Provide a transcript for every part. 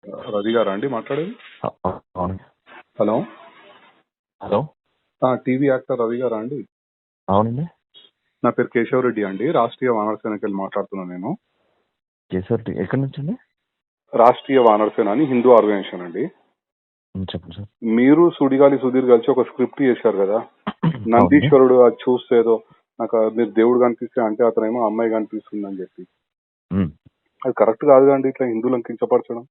రవి గారా అండి మాట్లాడేది? అవును. Hello hello, TV actor Ravi గారా అండి? అవునండి. నా పేరు కేశవరెడ్డి అండి, రాష్ట్రీయ వానర సేనకి వెళ్ళి మాట్లాడుతున్నాను నేను. కేసర్ ఎక్కడి నుంచి అండి? రాష్ట్రీయ వానర సేన అని హిందూ ఆర్గనైజేషన్ అండి. చెప్పండి సార్. మీరు సుడిగాలి సుధీర్ కలిసి ఒక స్క్రిప్ట్ చేశారు కదా, అవునండి. నందీశ్వరుడు అది చూస్తే ఏదో నాకు మీరు దేవుడు కనిపిస్తే అంటే అతనేమో అమ్మాయి కనిపిస్తుంది అని చెప్పి, అది కరెక్ట్ కాదు అండి ఇట్లా హిందువులను కించపరచడం.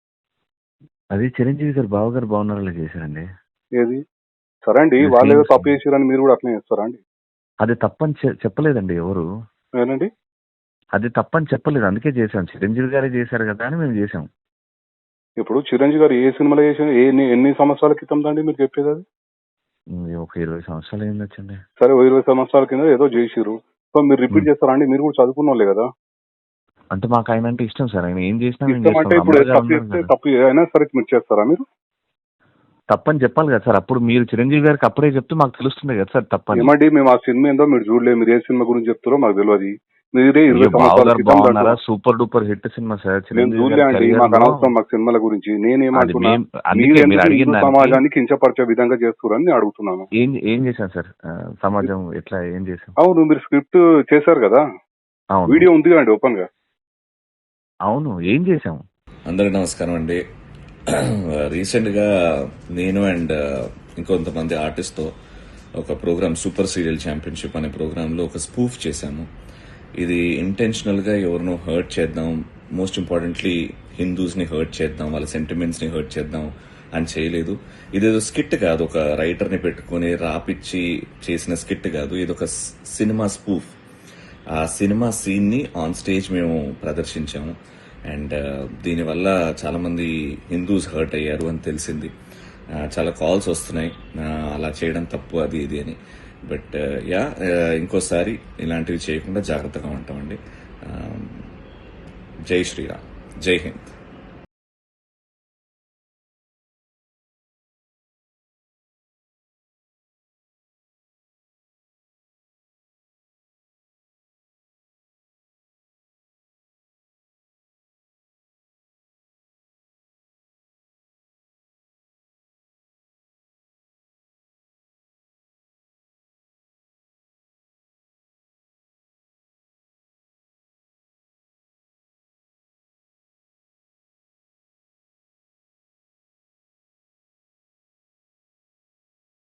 అది చిరంజీవి గారు బావగారు బాగున్నారని చేశారండి. ఏది సరే అండి, వాళ్ళు ఏదో తప్పు చేశారని మీరు కూడా అట్లనే చేస్తారా అండి? అది తప్పని చెప్పలేదండి ఎవరు. ఏనండి? అది తప్పని చెప్పలేదు, అందుకే చేశాం. చిరంజీవి గారే చేశారు కదా అని మేము చేసాం. ఇప్పుడు చిరంజీవి గారు ఏ సినిమాలో చేసిన ఎన్ని సంవత్సరాల క్రితం అండి మీరు చెప్పేది? అది ఒక 20 సంవత్సరాలు ఏం వచ్చండి. సరే 20 సంవత్సరాల కింద ఏదో చేసిరు, సో మీరు రిపీట్ చేస్తారా అండి? మీరు కూడా చదువుకున్న వాళ్ళే కదా. అంటే మాకు ఆయన అంటే ఇష్టం సార్. ఆయన ఏం చేసినా మేము ఇష్టం అంటే చేస్తాం. ఇప్పుడు అమ్మగారు తప్పు ఉన్నారు చేస్తే కదా. తప్పు అయినా సరే మీరు చేస్తారా? మీరు తప్పని చెప్పాలి కదా సార్. అప్పుడు మీరు చిరంజీవి గారికి అప్పుడే చెప్తే మాకు తెలుస్తుంది కదా సార్ తప్పని. ఏమండి, మేము ఆ సినిమా ఏందో మీరు చూడలేదు, మీరు ఏ సినిమా గురించి చెప్తారో మాకు తెలియదు. మీరే 20 సంవత్సరాల బావగారు క్రితం బాగున్నారా super duper hit cinema sir. మేము చిరంజీవి చూడలే గారి అండి, career మాకు లో అనవసరం మాకు సినిమాల గురించి. నేనేమంటున్నా, అందుకే మీరు మీరు ఎందుకు అడిగిన హిందూ దానికి సమాజాన్ని కించపరిచే విధంగా చేస్తున్నారని నేను అడుగుతున్నాను. ఏం చేశాను సార్? సమాజం ఎట్లా ఏం చేశాం? అవును, మీరు స్క్రిప్ట్ చేశారు కదా, అవును, వీడియో ఉంది కదండి ఓపెన్ గా. అవును, ఏం చేశాం? అందరికి నమస్కారం అండి. రీసెంట్గా నేను అండ్ ఇంకొంతమంది ఆర్టిస్ట్తో ఒక ప్రోగ్రామ్ సూపర్ సీరియల్ ఛాంపియన్షిప్ అనే ప్రోగ్రాంలో ఒక స్పూఫ్ చేశాము. ఇది ఇంటెన్షనల్గా ఎవరినో హర్ట్ చేద్దాం, మోస్ట్ ఇంపార్టెంట్లీ హిందూస్ని హర్ట్ చేద్దాం, వాళ్ళ సెంటిమెంట్స్ని హర్ట్ చేద్దాం అని చేయలేదు. ఇదేదో స్కిట్ కాదు, ఒక రైటర్ని పెట్టుకుని రాపిచ్చి చేసిన స్కిట్ కాదు. ఇది ఒక సినిమా స్పూఫ్. ఆ సినిమా సీన్ని ఆన్ స్టేజ్ మేము ప్రదర్శించాము. అండ్ దీనివల్ల చాలా మంది హిందూస్ హర్ట్ అయ్యారు అని తెలిసింది. చాలా కాల్స్ వస్తున్నాయి అలా చేయడం తప్పు అది ఇది అని. బట్ ఇంకోసారి ఇలాంటివి చేయకుండా జాగ్రత్తగా ఉంటామండి. జై శ్రీరామ్, జై హింద్.